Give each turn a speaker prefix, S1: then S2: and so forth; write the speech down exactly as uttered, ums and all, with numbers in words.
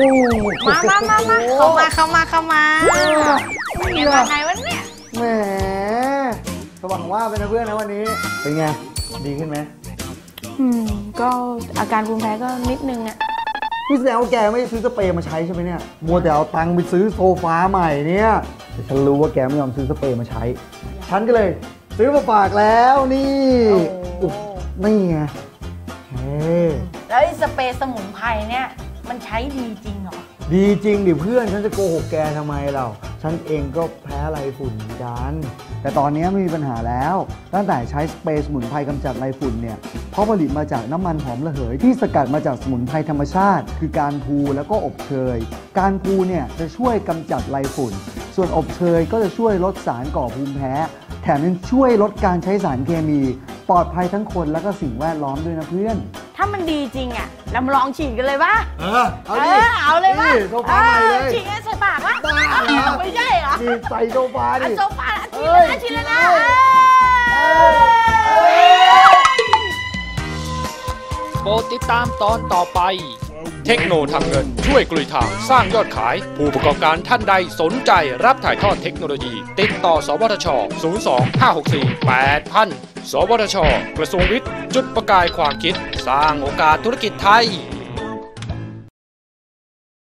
S1: มามามามาเข้ามาเข้ามาเข้ามาเป็นไงมาไงวะเนี่ย
S2: แหมสว่างว่าเป็นเพื่อนนะวันนี้เป็นไงดีขึ้นไหม
S1: อืมก็อาการภูมิแพ้ก็นิดนึงอะ
S2: พี่แสดงว่าแกไม่ซื้อสเปรย์มาใช้ใช่ไหมเนี่ยมัวแต่เอาตังค์ไปซื้อโซฟาใหม่เนี่ยแต่ฉันรู้ว่าแกไม่ยอมซื้อสเปรย์มาใช้ฉันก็เลยซื้อมาฝากแล้วนี่นี่ไงเฮ้
S1: แล้วไอ้สเปรย์สมุนไพรเนี่ยมันใช้ดีจริงเหรอ
S2: ดีจริงดิเพื่อนฉันจะโกหกแกทำไมเราฉันเองก็แพ้ไรฝุ่นเหมือนกันแต่ตอนนี้ไม่มีปัญหาแล้วตั้งแต่ใช้สเปรย์สมุนไพรกำจัดไรฝุ่นเนี่ยเพราะผลิตมาจากน้ำมันหอมระเหยที่สกัดมาจากสมุนไพรธรรมชาติคือการพูแล้วก็อบเชยการพูเนี่ยจะช่วยกำจัดไรฝุ่นส่วนอบเชยก็จะช่วยลดสารก่อภูมิแพ้แถมยังช่วยลดการใช้สารเคมีปลอดภัยทั้งคนและก็สิ่งแวดล้อมด้วยนะเพื่อน
S1: ถ้ามันดีจริงอ่ะเรามาลองฉีดกันเลยปะ
S2: เออเอาดิ
S1: เอาเลยปะ
S2: โซฟาใหม่เลย
S1: ฉีดใส่ปากวะไม่ใช่เหรอ
S2: ฉีดใส่โซฟาดิ
S1: โซฟาฉีดเลยนะฉีดเลยนะ
S3: โปรดติดตามตอนต่อไปเทคโนทำเงินช่วยกลุยทางสร้างยอดขายผู้ประกอบการท่านใดสนใจรับถ่ายทอดเทคโนโลยีติดต่อสวทช ศูนย์ สอง ห้า หก สี่ แปด ศูนย์ ศูนย์ สวทช กระทรวงวิทย์จุดประกายความคิดสร้างโอกาสธุรกิจไทย